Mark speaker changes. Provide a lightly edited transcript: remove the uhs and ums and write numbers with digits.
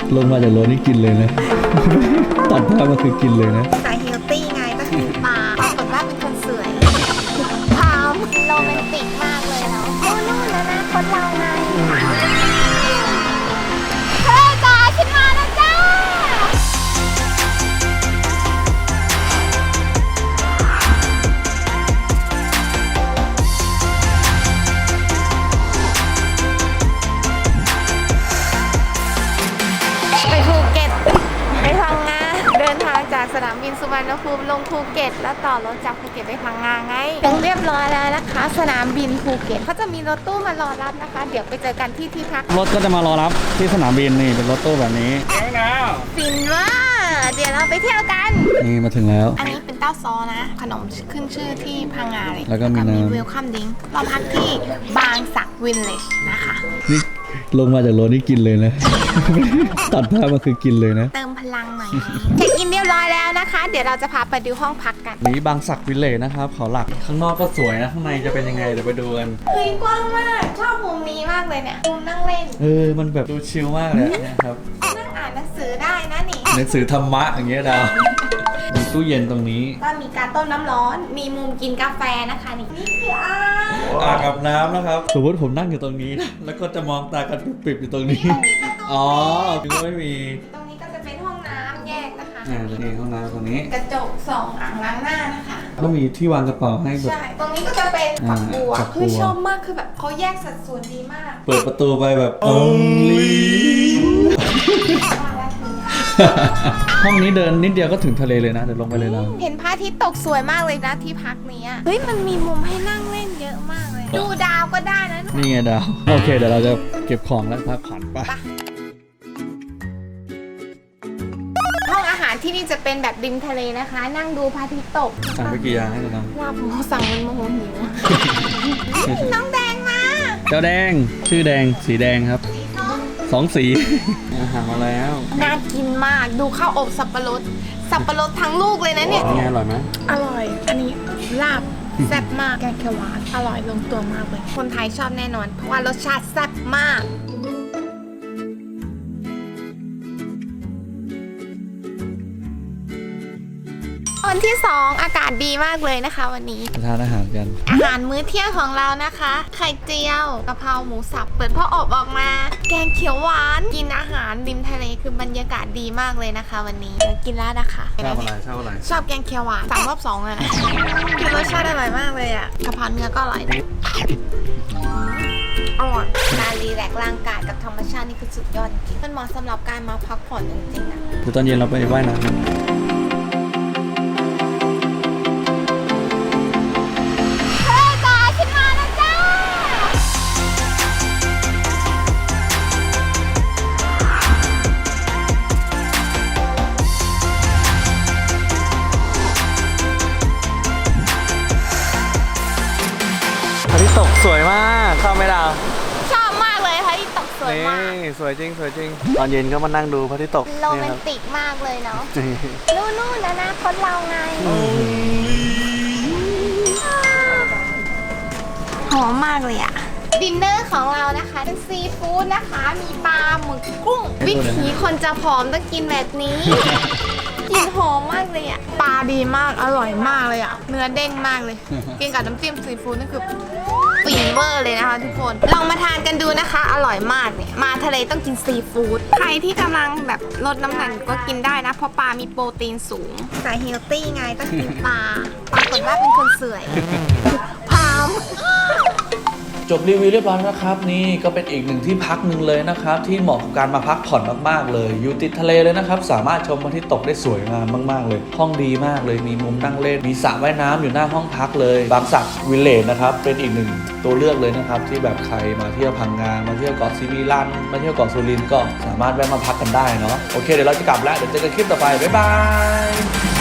Speaker 1: ลงมาจากรถนี่กินเลยนะ ตัดภาพมาคือกินเลยนะ
Speaker 2: สายเฮลตี้ไงก็คือปลาปรากฏว่าเป็นคนสวยพร้อมโรแมนติกมากเลยเนาะนู่นแล้วนะคนเราไงเฮ้ยจ้าฉันมาแล้วจ้าไปภูเก็ตไปพังงาเดินทางจากสนามบินสุวรรณภูมิลงภูเก็ตแล้วต่อรถจากภูเก็ตไปพังงาไงถึงเรียบร้อยแล้วนะคะสนามบินภูเก็ตเขาจะมีรถตู้มารอรับนะคะเดี๋ยวไปเจอกันที่ที่พัก
Speaker 1: รถก็จะมารอรับที่สนามบินนี่เป็นรถตู้แบบนี้
Speaker 2: ฟินว่าเดี๋ยวเราไปเที่ยวกัน
Speaker 1: นี่มาถึงแล้ว
Speaker 2: อันนี้เป็นเต้าซอนะขนมขึ้นชื่อที่พังงาเลย
Speaker 1: แล้วก็มี
Speaker 2: เวลคัมดิ้งเราพักที่บางสักวิลเลจนะคะ
Speaker 1: นี่ลงมาจากรถนี่กินเลยนะ ตัดภาพมาคือกินเลยนะ
Speaker 2: เติมพลังหน่อยเช็คอินเรียบร้อยแล้วนะคะเดี๋ยวเราจะพาไปดูห้องพักกัน
Speaker 1: นี่บางสักวิลเลจนะครับเขาหลักข้างนอกก็สวยนะข้างในจะเป็นยังไงเดี๋ยวไปดูกัน
Speaker 2: เฮ้ยกว้างมากชอบมุมนี้มากเลยเนี่ยมุมนั่งเล่น
Speaker 1: มันแบบดูชิลมากเลยนะครับ
Speaker 2: นั่งอ่านหนังสือได้นะนี่
Speaker 1: หนังสือธรรมะอย่างเงี้ยดาวมีตู้เย็นตรงนี้
Speaker 2: ก็มีการต้มน้ำร้อนมีมุมกินกาแฟนะคะนี่คือ
Speaker 1: อ่างอาบน้ำนะครับสมมติผมนั่งอยู่ตรงนี้นะแล้วก็จะมองตากันปิบๆอยู่ตรงนี้อ๋อคือไม่มี
Speaker 2: ตรงนี้ก็จะเป็นห้องน้ำแยกนะคะ
Speaker 1: นี่ห้องน้ำตรงนี้
Speaker 2: กระจก2 อ่างล้างหน้านะคะ
Speaker 1: ก็มีที่วางกระเป๋าให้แบบ
Speaker 2: ใช่ตรงนี้ก็จะเป็นฝักบัวคือชอบมากคือแบบเขาแยกสัดส่วนดีมาก
Speaker 1: เปิดประตูไปแบบ only ห้องนี้เดินนิดเดียวก็ถึงทะเลเลยนะเดี๋ยวลงไปเลยนะ
Speaker 2: เห็นพระอาทิตย์ตกสวยมากเลยนะที่พักนี้เฮ้ยมันมีมุมให้นั่งเล่นเยอะมากเลยดูดาวก็ได้นะ
Speaker 1: นี่ไงดาวโอเคเดี๋ยวเราจะเก็บของแล้วพักผ่อนไป
Speaker 2: ห้องอาหารที่นี่จะเป็นแบบริมทะเลนะคะนั่งดูพระอาทิตย์ตก
Speaker 1: สั่งไปกี่อย่างให้เรา
Speaker 2: ลาบหมูสั่งมันโมโหหิวน้องแดงมา
Speaker 1: เจ้าแดงชื่อแดงสีแดงครับ2 สีอาหารมาแล้ว
Speaker 2: น่ากินมากดูข้าวอบสับปะรดทั้งลูกเลยนะเนี่ย
Speaker 1: อร่อยไหม
Speaker 2: อร่อยอันนี้ลาบแซ่บมากแกงเขียวหวานอร่อยลงตัวมากเลยคนไทยชอบแน่นอนเพราะว่ารสชาติแซ่บมากวันที่2อากาศดีมากเลยนะคะวันนี้
Speaker 1: ทานอาหารกัน
Speaker 2: อาหารมื้อเที่ยงของเรานะคะไข่เจียวกะเพราหมูสับเปิดพ่ออบออกมาแกงเขียวหวานกินอาหารริมทะเลคือบรรยากาศดีมากเลยนะคะวันนี้กินแล้วนะคะ
Speaker 1: ชอบอะไร
Speaker 2: ชอบแกงเขียวหวานสั่งรอบ2อ่ะคือรสชาติอร่อยมากเลยอ่ะกะเพราเนื้อก็อร่อยอร่อยการรีแลกซ์ร่างกายกับธรรมชาตินี่คือสุดยอดจริงมันเหมาะสำหรับการมาพักผ่อนจริงๆนะ
Speaker 1: เดี๋ยวตอนเย็นเราไปว่ายน้ำพระอาทิตย์ตกสวยมากชอบไหมดาว
Speaker 2: ชอบมากเลยพระอาทิตย์ตกสวยมาก
Speaker 1: สวยจริงตอนเย็นก็มานั่งดูพระอาทิตย์ตก
Speaker 2: โรแมนติกมากเลยเนาะนู่นแล้วนะคนเราไงหอมมากเลยอะดินเนอร์ของเรานะคะเป็นซีฟู้ดนะคะมีปลาหมึกกุ้งวิถีคนจะผอมต้องกินแบบนี้กลิ่นหอมมากเลยอะปลาดีมากอร่อยมากเลยอะเนื้อเด้งมากเลยกินกับน้ำจิ้มซีฟู้ดนี่คือฟินเวอร์เลยนะคะทุกคนลองมาทานกันดูนะคะอร่อยมากเนี่ยมาทะเลต้องกินซีฟู้ดใครที่กำลังแบบลดน้ำหนักก็กินได้นะเพราะปลามีโปรตีนสูงสายเฮลตี้ไงต้องกินปลาปรากฏว่าเป็นคนสวยพร้อม
Speaker 1: จบรีวิวเรียบร้อยนะครับนี่ก็เป็นอีกหนึ่งที่พักหนึ่งเลยนะครับที่เหมาะกับการมาพักผ่อนมากๆเลยอยู่ติดทะเลเลยนะครับสามารถชมพระอาทิตย์ตกได้สวยงามมากๆเลยห้องดีมากเลยมีมุมนั่งเล่นมีสระว่ายน้ำอยู่หน้าห้องพักเลยบางสักวิลเลจนะครับเป็นอีกหนึ่งตัวเลือกเลยนะครับที่แบบใครมาเที่ยวพังงามาเที่ยวเกาะซีมิลันมาเที่ยวเกาะสุรินทร์ก็สามารถแวะมาพักกันได้เนาะโอเคเดี๋ยวเราจะกลับแล้วเดี๋ยวเจอกันคลิปต่อไปบ๊ายบาย